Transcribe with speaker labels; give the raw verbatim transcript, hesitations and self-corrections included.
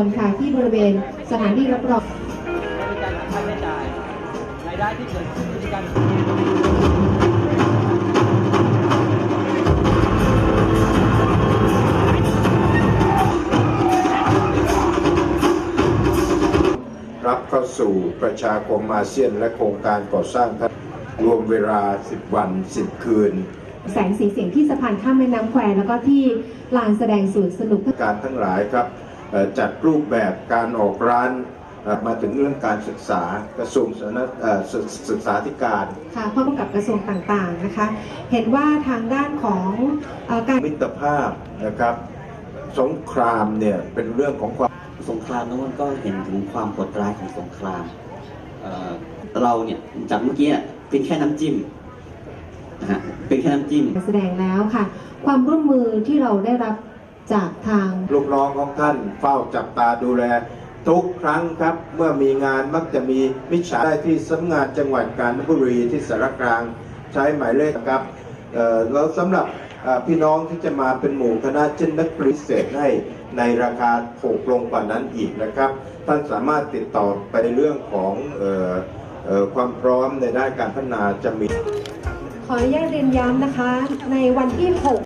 Speaker 1: รค่ะที่บริเวณสถานที่รับรอง
Speaker 2: บริการหาค่าใช้จ่ายรายได้ที่เกิดขึ้นจากการ
Speaker 3: รับเข้าสู่ประชาคมอาเซียนและโครงการก่อสร้างรวมเวลาสิบวันสิบคืน
Speaker 1: แสงสีเสียงที่สะพานข้ามแม่น้ำแควแล้วก็ที่ลานแสดงสวนสนุก
Speaker 3: การทั้งหลายครับจัดรูปแบบการออกร้านมาถึงเรื่องการศึกษากระทรวงศึกษาธิการ
Speaker 1: ค่ะพร้อมกับกระทรวงต่างๆนะคะเห็นว่าทางด้านของการ
Speaker 3: มิตรภาพนะครับสงครามเนี่ยเป็นเรื่องของความ
Speaker 4: สงครามนั้นมันก็เห็นถึงความโหดร้ายของสงคราม เ, เราเนี่ยจากเมื่อกี้เป็นแค่น้ำจิ้มนะฮะเป็นแค่น้ำจิ้ม
Speaker 1: แสดงแล้วค่ะความร่วมมือที่เราได้รับจากทาง
Speaker 3: ลูกน้องของท่านเฝ้าจับตาดูแลทุกครั้งครับเมื่อมีงานมักจะมีมิจฉาได้ที่สำนักงานจังหวัดกาญจนบุรีที่สารกลางใช้หมายเลขครับแล้วสำหรับพี่น้องที่จะมาเป็นหมู่คณะเช่นนักพิเศษให้ในราคาถูกลงกว่านั้นอีกนะครับท่านสามารถติดต่อไปในเรื่องของเอ่อเอ่อความพร้อมในด้านการพัฒนาจะมี
Speaker 1: ขออนุญาตเรียนย้ำนะคะในวันที่หก